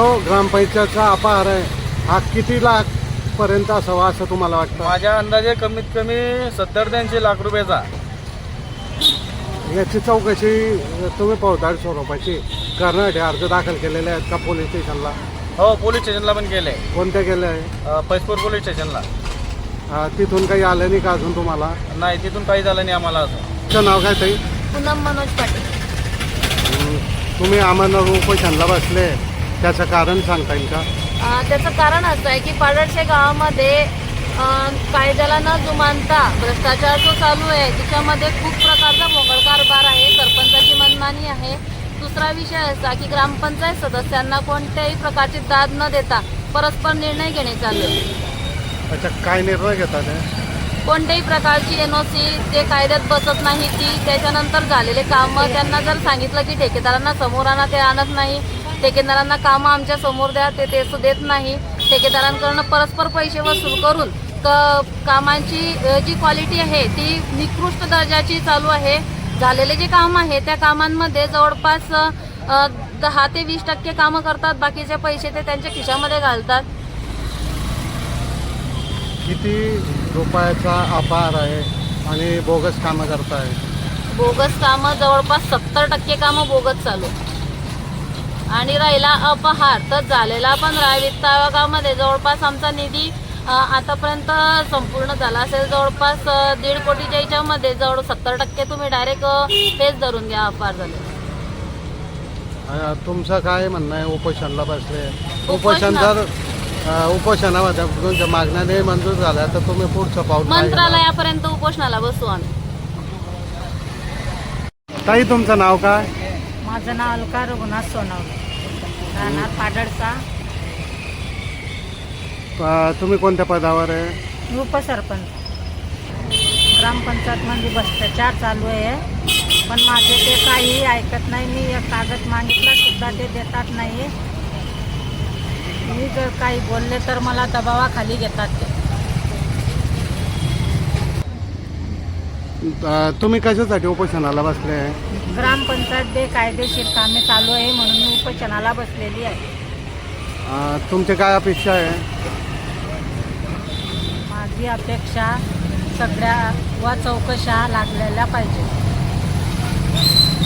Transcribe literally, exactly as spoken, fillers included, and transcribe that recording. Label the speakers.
Speaker 1: ग्रामपंचायतचा अपहार आहे हा किती लाख पर्यंत असावा असं तुम्हाला वाटतं?
Speaker 2: माझ्या अंदाजे कमीत कमी सत्तर ते ऐंशी लाख रुपयाचा.
Speaker 1: याची चौकशी तुम्ही फौजदारी स्वरूपाची करण्यासाठी अर्ज दाखल केलेले आहेत का पोलीस स्टेशनला?
Speaker 2: हो, पोलीस स्टेशनला पण केले.
Speaker 1: कोणत्या केले आहे?
Speaker 2: पैसपूर पोलीस स्टेशनला.
Speaker 1: अ, तिथून काही आलं नाही का अजून तुम्हाला?
Speaker 2: नाही, तिथून काही झालं नाही आम्हाला. असं
Speaker 1: तुमचं नाव काय ताई?
Speaker 3: पूनम मनोज पाटील.
Speaker 1: हं, तुम्ही आम्हाला उपोषणला बसले त्याचं कारण सांगता येईल का?
Speaker 3: अ, त्याचं कारण असं आहे की पाडळशे गावामध्ये अ, कायद्याला न जुमानता भ्रष्टाचार जो चालू आहे त्याच्यामध्ये खूप प्रकारचा मोगळ कारभार आहे. सरपंचाची मनमानी आहे. दुसरा विषय असा की ग्रामपंचायत सदस्यांना कोणत्याही प्रकारची दाद न देता परस्पर निर्णय घेणे चालू आहे.
Speaker 1: अच्छा, काय निर्णय घेतात हे?
Speaker 3: कोणत्याही प्रकारची एन ओ सी जे कायद्यात बसत नाही ती, त्याच्यानंतर झालेले कामं त्यांना जर सांगितलं की ठेकेदारांना समोर आणा ते आणत नाही, ठेकेदारांना कामं आमच्या समोर द्या ते ते देत नाही, ठेकेदारांकडून परस्पर पैसे वसूल करून क कामांची जी क्वालिटी आहे ती निकृष्ट दर्जाची चालू आहे. झालेले जे काम आहे त्या कामांमध्ये जवळपास दहा ते वीस टक्के कामं करतात, बाकीचे पैसे ते त्यांच्या खिशामध्ये घालतात.
Speaker 1: किती रुपयाचा अपहार आहे आणि बोगस कामं करताय?
Speaker 3: बोगस कामं जवळपास सत्तर टक्के कामं बोगस चालू. आणि राहिला अपहार तर झालेला पण वित्त आयोगामध्ये जवळपास आमचा निधी आतापर्यंत संपूर्ण झाला असेल. जवळपास दीड कोटीच्या याच्यामध्ये जवळ सत्तर टक्के तुम्ही डायरेक्ट हेच धरून घ्या अपहार झाले.
Speaker 1: अ, तुमचं काय म्हणणं आहे? उपोषणला बसले, उपोषण
Speaker 3: उपोषणा-
Speaker 1: जर अ, उपोषणामध्ये तुमच्या मागण्या नाही मंजूर झाल्या तर तुम्ही पुढचं पाऊल काय घेणार?
Speaker 3: मंत्रालयापर्यंत उपोषणाला बसू आम्ही.
Speaker 1: ताई, तुमचं नाव काय?
Speaker 4: माझं नाव अलका रघुनाथ सोनवणे, राहणार पाडळचा.
Speaker 1: अ, तुम्ही कोणत्या पदावर आहे?
Speaker 4: उपसरपंच. ग्रामपंचायतमध्ये भ्रष्टाचार चालू आहे, पण माझे ते काहीही ऐकत नाही. मी एक कागद मागितला सुद्धा ते देतात नाही. मी जर काही बोलले तर मला दबावाखाली घेतात ते.
Speaker 1: अ, तुम्ही कशासाठी उपोषणाला बसले आहे?
Speaker 4: ग्रामपंचायत बेकायदेशीर कामे चालू आहे म्हणून मी उपोषणाला बसलेली आहे.
Speaker 1: अ, तुमची काय अपेक्षा आहे?
Speaker 4: माझी अपेक्षा सगळ्या व चौकशा लागलेल्या पाहिजे.